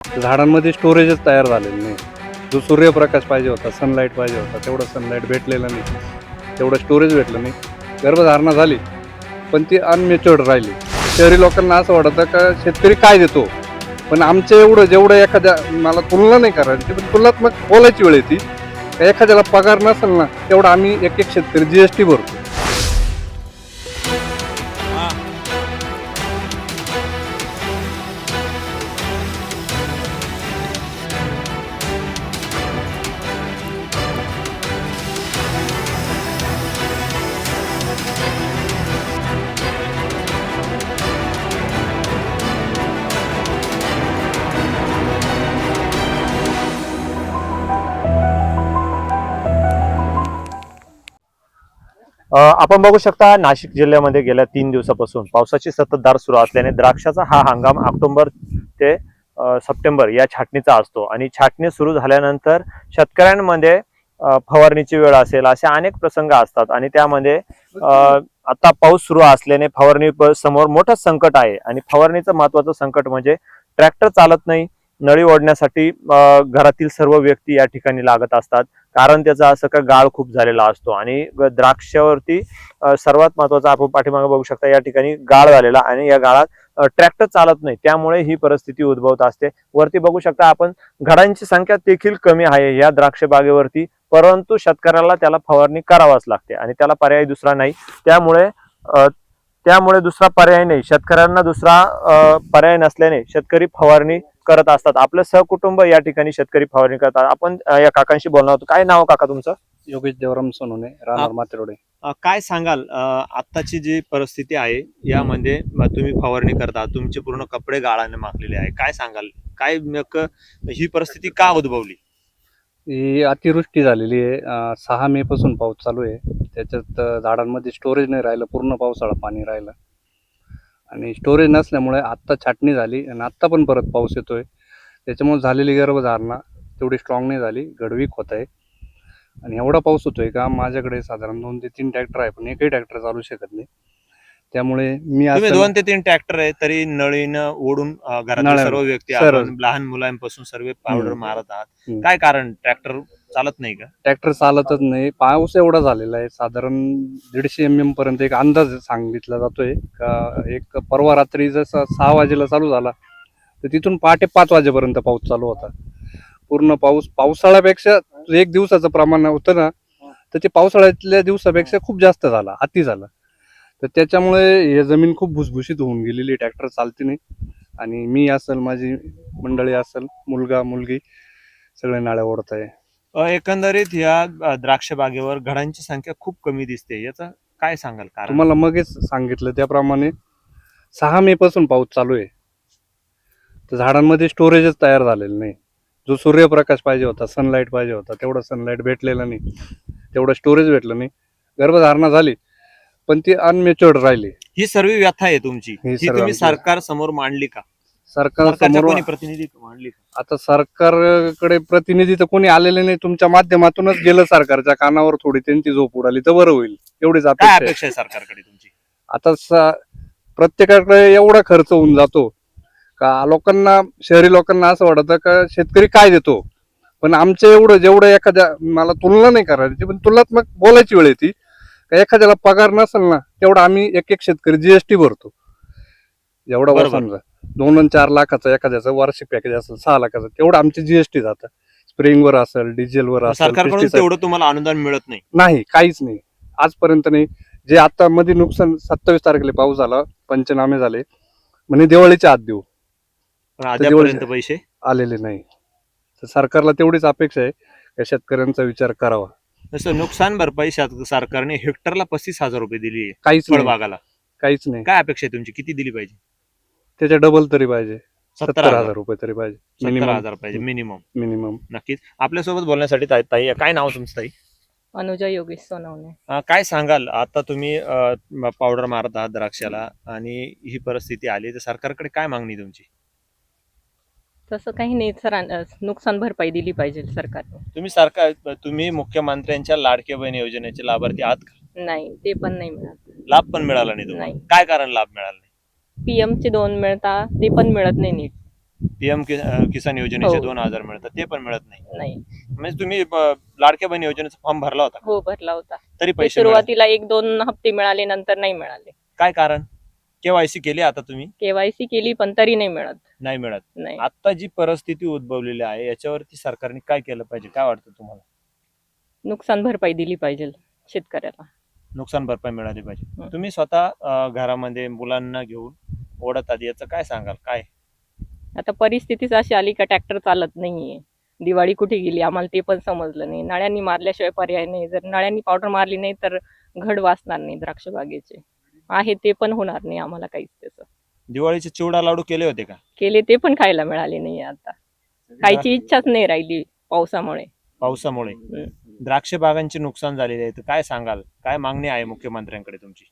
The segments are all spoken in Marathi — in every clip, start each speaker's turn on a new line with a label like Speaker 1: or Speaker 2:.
Speaker 1: झाडांमध्ये स्टोरेजच तयार झालेलं नाही. जो सूर्यप्रकाश पाहिजे होता, सनलाईट पाहिजे होता, तेवढं सनलाईट भेटलेलं नाही, तेवढं स्टोरेज भेटलं नाही. गर्भधारणा झाली पण ती अनमॅच्युअर्ड राहिली. शहरी लोकांना असं वाटतं का शेतकरी काय देतो, पण आमचं एवढं जेवढं एखाद्या, मला तुलना नाही करायची पण तुलनात्मक बोलायची वेळ येते, एखाद्याला पगार नसेल ना तेवढा आम्ही एक एक शेतकरी GST भरतो.
Speaker 2: आपण बघू शकता नाशिक जिल्ह्यामध्ये गेल्या 3 दिवसापासून पावसाची संततधार सुरू असल्याने द्राक्षाचा हा हंगाम ऑक्टोबर ते सप्टेंबर या छाटणीचा असतो आणि छाटणी सुरू झाल्यानंतर शेतकऱ्यांमध्ये फवारणीची वेळ असेल असे अनेक प्रसंग असतात आणि त्यामध्ये आता पाऊस सुरू असल्याने फवारणी समोर मोठं संकट आहे आणि फवारणीचं महत्वाचं संकट म्हणजे ट्रॅक्टर चालत नाही. नळी ओढण्यासाठी घरातील सर्व व्यक्ती या ठिकाणी लागत असतात, कारण त्याचा असं का गाळ खूप झालेला असतो आणि द्राक्षावरती सर्वात महत्वाचं आपण पाठीमागे बघू शकता या ठिकाणी गाळ झालेला आणि या गाळात ट्रॅक्टर चालत नाही, त्यामुळे ही परिस्थिती उद्भवत असते. वरती बघू शकता आपण घडांची संख्या देखील कमी आहे या द्राक्ष बागेवरती, परंतु शेतकऱ्याला त्याला फवारणी करावाच लागते आणि त्याला पर्याय दुसरा नाही. त्यामुळे दुसरा पर्याय नाही, शेतकऱ्यांना दुसरा पर्याय नसल्याने शेतकरी फवारणी करत असतात. आपलं सहकुटुंब या ठिकाणी शेतकरी फवारणी करतात. आपण या काकांशी बोलणार होतो. काय नाव काका तुमचं?
Speaker 1: योगेश देवराम सोनवणे, राहणार मातेरोडे.
Speaker 2: काय सांगाल आत्ताची जी परिस्थिती आहे यामध्ये तुम्ही फवारणी करता, तुमचे पूर्ण कपडे गाळाने माखलेले आहे, काय सांगाल? काय नेमकं ही परिस्थिती का उद्भवली?
Speaker 1: ही अतिवृष्टी झालेली आहे. 6 मे पासून पाऊस चालू आहे. त्याच्यात झाडांमध्ये स्टोरेज नाही राहिलं, पूर्ण पावसाळा पाणी राहिलं आणि स्टोरेज नसल्यामुळे आत्ता छाटणी झाली आणि आत्ता पण परत पाऊस येतोय. त्याच्यामुळे झालेली गर्भधारणा तेवढी स्ट्रॉंग नाही झाली, गडवीक होत आहे. आणि एवढा पाऊस होतोय का माझ्याकडे साधारण 2 ते 3 ट्रॅक्टर आहे, पण एकही ट्रॅक्टर चालू शकत नाही. त्यामुळे मी
Speaker 2: तुम्ही 2 ते 3 ट्रॅक्टर आहे तरी नळीनं ओढून घरातील सर्व व्यक्ती, आपण लहान मुलांपासून सर्व पावडर मारत आहात. काय कारण? ट्रॅक्टर चालत नाही का?
Speaker 1: ट्रॅक्टर चालतच नाही. पाऊस एवढा झालेला आहे, साधारण 150 mm पर्यंत एक अंदाज सांगितला जातोय का. एक परवा रात्री जसा 6 वाजेला चालू झाला तर तिथून पहाटे 5 वाजेपर्यंत पाऊस चालू होता. पूर्ण पाऊस पावसाळ्यापेक्षा एक दिवसाचं प्रमाण होतं ना, तर ते पावसाळ्यातल्या दिवसापेक्षा खूप जास्त झाला, अति झाला. तर त्याच्यामुळे हे जमीन खूप भुसभुशीत होऊन गेलेली, ट्रॅक्टर चालते नाही. आणि मी असेल, माझी मंडळी असेल, मुलगा मुलगी सगळे नाळ्या ओढत आहे.
Speaker 2: एकंदरीत या द्राक्ष बागेवर घडांची संख्या खूप कमी दिसते, याचं काय सांगाल कारण?
Speaker 1: तुम्हाला मगच सांगितलं त्याप्रमाणे 6 मे पासून पाऊस चालू आहे, तर झाडांमध्ये स्टोरेजच तयार झालेलं नाही. जो सूर्यप्रकाश पाहिजे होता, सनलाईट पाहिजे होता, तेवढं सनलाईट भेटलेलं नाही, तेवढं स्टोरेज भेटलं नाही. गर्भधारणा झाली पण ती अनमॅच्युअर्ड राहिली.
Speaker 2: ही सर्व व्यथा आहे तुमची, ही तुम्ही सरकार समोर मांडली का? सरकारच्या कोणी प्रतिनिधी मांडली का?
Speaker 1: आता सरकारकडे प्रतिनिधी तर कोणी आलेले नाही. तुमच्या माध्यमातूनच गेलं सरकारच्या कानावर, थोडी त्यांची झोप उडाली तर बरं होईल, एवढीच
Speaker 2: काय अपेक्षा आहे सरकारकडे तुमची?
Speaker 1: आता प्रत्येकाकडे एवढा खर्च होऊन जातो का लोकांना, शहरी लोकांना असं वाटतं का शेतकरी काय देतो, पण आमचं एवढं जेवढं एखाद्या, मला तुलना नाही करायची पण तुलनात्मक बोलायची वेळ येते का, एखाद्याला पगार नसेल ना तेवढा आम्ही एक एक शेतकरी GST भरतो. जेवढा समजा 2 आणि 4 लाखाचा एखाद्याचं वार्षिक पॅकेज असेल, 6 लाखाचं, तेवढं आमचे GST जातं. स्प्रेइंगवर असेल, डिझेलवर असेल.
Speaker 2: सरकारकडून तेवढं तुम्हाला अनुदान मिळत नाही?
Speaker 1: नाही, काहीच नाही, आजपर्यंत नाही. जे आता मध्ये नुकसान 27 तारखेला पाऊस झाला, पंचनामे झाले, म्हणजे दिवाळीच्या आत देऊ,
Speaker 2: अद्यापर्यंत पैसे
Speaker 1: आलेले नाही. तर सरकारला तेवढीच अपेक्षा आहे का शेतकऱ्यांचा विचार करावा.
Speaker 2: जसं नुकसान भरपाई सरकारने हेक्टरला 35,000 रुपये दिली आहे
Speaker 1: काहीच नाही,
Speaker 2: फळबागाला,
Speaker 1: काहीच नाही.
Speaker 2: काय अपेक्षा आहे तुमची? किती दिली पाहिजे?
Speaker 1: त्याच्या डबल तरी पाहिजे,
Speaker 2: 70,000
Speaker 1: रुपये तरी पाहिजे,
Speaker 2: 70,000 पाहिजे मिनिमम.
Speaker 1: मिनिमम.
Speaker 2: नक्कीच. आपल्यासोबत बोलण्यासाठी ताई, काय नाव तुमचं ताई?
Speaker 3: अनुजा योगेश सोनवणे.
Speaker 2: काय सांगाल, आता तुम्ही पावडर मारत आहात द्राक्षाला आणि ही परिस्थिती आली, तर सरकारकडे काय मागणी तुमची?
Speaker 3: तसं काही नाही सर, नुकसान भरपाई दिली पाहिजे सरकारने.
Speaker 2: तुम्ही मुख्यमंत्र्यांच्या लाडके बहीण योजनेचे लाभार्थी आहात का?
Speaker 3: नाही, ते पण नाही मिळत.
Speaker 2: लाभ पण मिळाला नाही तुम्हाला?
Speaker 3: नाही.
Speaker 2: काय कारण लाभ मिळाला नाही?
Speaker 3: PM चे 2 मिळता, ते पण मिळत नाही नीट.
Speaker 2: पीएम किसान योजनेचे
Speaker 3: हो.
Speaker 2: 2,000 मिळतात ते पण मिळत नाही.
Speaker 3: नाही.
Speaker 2: म्हणजे तुम्ही लाडक्या बहीण योजनेचा फॉर्म भरला होता का?
Speaker 3: हो, भरला होता.
Speaker 2: तरी
Speaker 3: ते
Speaker 2: पैसे मिळाले?
Speaker 3: सुरुवातीला 1-2 हप्ते मिळाले, नंतर नाही मिळाले.
Speaker 2: काय कारण? केवायसी केली आता तुम्ही?
Speaker 3: केवायसी केली पण तरी नाही मिळत.
Speaker 2: नाही मिळत.
Speaker 3: नाही.
Speaker 2: आता जी परिस्थिती उद्भवलेली आहे याच्यावरती सरकारने काय केलं पाहिजे, काय वाटतं तुम्हाला?
Speaker 3: नुकसान भरपाई दिली पाहिजे शेतकऱ्याला.
Speaker 2: नुकसान भरपाई मिळाली पाहिजे.
Speaker 3: हं.
Speaker 2: तुम्ही स्वतः घरामध्ये मुलांना घेऊन ओढत आधी याचं काय सांगाल? काय
Speaker 3: आता परिस्थितीच अशी आली का ट्रॅक्टर चालत नाहीये. दिवाळी कुठे गेली आम्हाला ते पण समजलं नाही. नळ्यांनी मारल्याशिवाय पर्याय नाही. जर नळ्यांनी पावडर मारली नाही तर घड वाचणार नाही द्राक्ष बागेचे. आहे ते पण होणार नाही आम्हाला काहीच त्याचं.
Speaker 2: दिवाळीचे चिवडा लाडू केले होते का?
Speaker 3: केले ते पण खायला मिळाले नाही आता. खायची इच्छाच नाही राहिली पावसामुळे.
Speaker 2: पावसामुळे
Speaker 3: हं.
Speaker 2: द्राक्ष बागांचे नुकसान झालेले आहे तर काय सांगाल? काय मागणी आहे मुख्यमंत्र्यांकडे तुमची?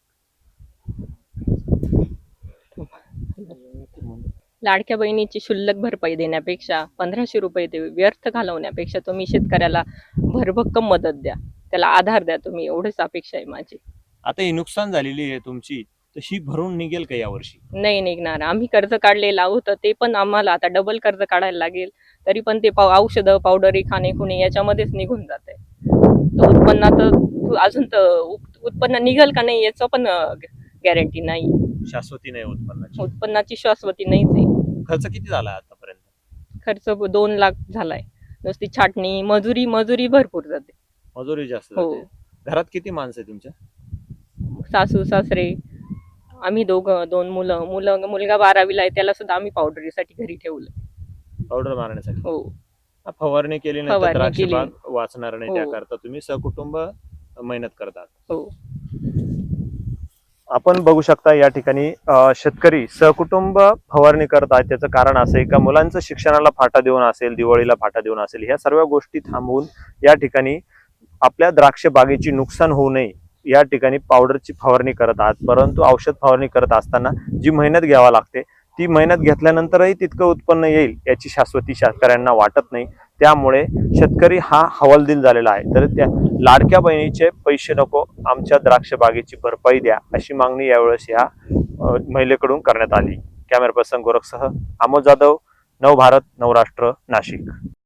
Speaker 3: लाडक्या बहिणीची शुल्लक भरपाई देण्यापेक्षा 1500 रुपये ते व्यर्थ घालवण्यापेक्षा तुम्ही शेतकऱ्याला भरभक्कम मदत द्या. त्याला आधार द्या तुम्ही, एवढीच अपेक्षा आहे माझी.
Speaker 2: आता ही नुकसान झालेली आहे तुमची, तर ही भरून निघेल का यावर्षी?
Speaker 3: नाही निघणार. आम्ही कर्ज काढलेलं आहोत ते पण आम्हाला आता डबल कर्ज काढायला लागेल. तरी पण ते औषधं, पावडरी, खाणे खुणे याच्यामध्येच निघून जाते. तर उत्पन्नात अजून तर उत्पन्न निघेल का नाही याचं पण गॅरंटी नाही.
Speaker 2: शाश्वती नाही उत्पन्नाची.
Speaker 3: उत्पन्नाची शाश्वती नाहीच आहे.
Speaker 2: खर्च किती झाला आतापर्यंत?
Speaker 3: खर्च 2 लाख झालाय. नुसती छाटणी, मजुरी भरपूर जाते.
Speaker 2: मजुरी जास्त
Speaker 3: हो.
Speaker 2: जाते. घरात किती माणसं आहे तुमच्या?
Speaker 3: सासू सासरे, आम्ही दोघं, 2 मुलं. मुलगा 12वीला आहे, त्याला सुद्धा आम्ही पावडरीसाठी घरी ठेवलं.
Speaker 2: पावडर मारण्यासाठी.
Speaker 3: हो.
Speaker 2: फवारणी केली नाही तर
Speaker 3: फवारणी
Speaker 2: द्राक्ष
Speaker 3: केली.
Speaker 2: बाग वाचणार नाही.
Speaker 3: हो.
Speaker 2: त्याकरता तुम्ही सहकुटुंब मेहनत करतात.
Speaker 3: हो.
Speaker 2: आपण बघू शकता या ठिकाणी शेतकरी सहकुटुंब फवारणी करत आहेत. त्याचं कारण असं आहे का मुलांचं शिक्षणाला फाटा देऊन असेल, दिवाळीला फाटा देऊन असेल, ह्या सर्व गोष्टी थांबवून या ठिकाणी आपल्या द्राक्ष बागेची नुकसान होऊ नये या ठिकाणी पावडरची फवारणी करत आहात. परंतु औषध फवारणी करत असताना जी मेहनत घ्यावी लागते ती मेहनत घेतल्यानंतरही तितकं उत्पन्न येईल याची शाश्वती शेतकऱ्यांना वाटत नाही. त्यामुळे शेतकरी हा हवालदिल झालेला आहे. तर त्या लाडक्या बहिणीचे पैसे नको, आमच्या द्राक्ष बागेची भरपाई द्या अशी मागणी यावेळेस या महिलेकडून करण्यात आली. कॅमेरा पर्सन गोरखसह अमोल जाधव, नवभारत, नवराष्ट्र, नाशिक.